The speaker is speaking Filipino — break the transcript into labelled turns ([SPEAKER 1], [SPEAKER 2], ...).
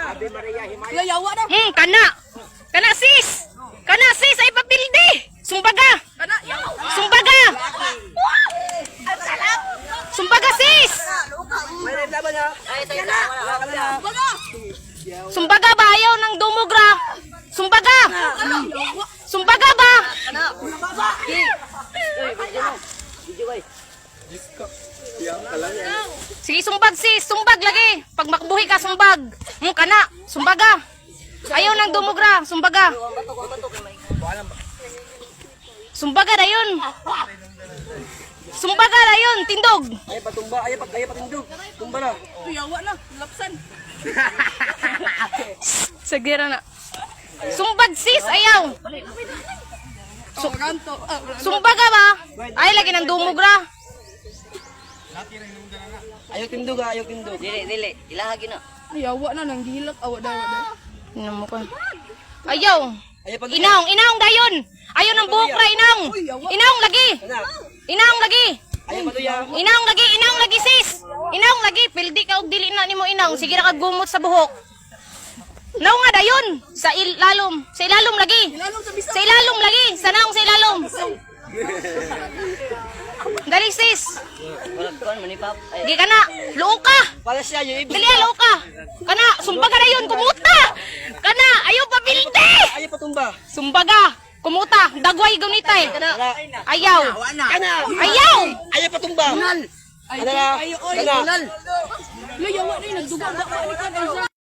[SPEAKER 1] Yawa na.
[SPEAKER 2] Kana. Kana sis. Kana sis ay papildi. Sumbaga.
[SPEAKER 1] Kana, yawa.
[SPEAKER 2] Sumbaga. Sumbaga sis. Sumbaga ba ayaw ng dumugra? Sumbaga. Sumbaga ba? Sige, sumbag sis, sumbag lagi. Pag makbuhi ka, sumbag. Kana, sumbaga. Ayaw ng dumugra, sumbaga. Sumbaga na yun. Sumbaga na yun, tindog.
[SPEAKER 3] Ayaw patumba, ayaw patindog. Tumba na.
[SPEAKER 1] Yawa na, lapsan.
[SPEAKER 2] Sagira na. Sumbag sis, ayaw. Sumbaga ba? Ay, lagi ng dumugra.
[SPEAKER 3] Ayaw tindog ha, ayaw tindog.
[SPEAKER 4] Dili, ilahagi na.
[SPEAKER 1] Yawa na, nang gilak. Awa daw.
[SPEAKER 2] Ino mo ko. Ayaw.
[SPEAKER 3] Ayaw pag...
[SPEAKER 2] Inaong dayon. Ayaw ng buhok ra, inaong. Inaong lagi. Inaong lagi.
[SPEAKER 3] Ayaw patuya.
[SPEAKER 2] Inaong lagi sis. Inaong lagi, pildi ka og dili na nimo inaong. Sige ra kag gumot sa buhok. Naw nga dayon sa ilalom. Sa ilalom lagi. Sa ilalom lagi. Sa naong sa ilalom. Dali sis.
[SPEAKER 4] Walang kuan manipap.
[SPEAKER 2] Di ka na. Luo ka.
[SPEAKER 3] Para siya yung ibig.
[SPEAKER 2] Dali luo ka. Kana, sumbaga na yun, kumuta. Kana, ayaw pa pildi.
[SPEAKER 3] Ayaw patumba.
[SPEAKER 2] Sumbaga, kumuta. Dagway gunitay. Ayaw.
[SPEAKER 3] Kana.
[SPEAKER 2] Ayaw.
[SPEAKER 3] Ayaw patumba. Kana. Kana.
[SPEAKER 1] Yawa na, nagduga na.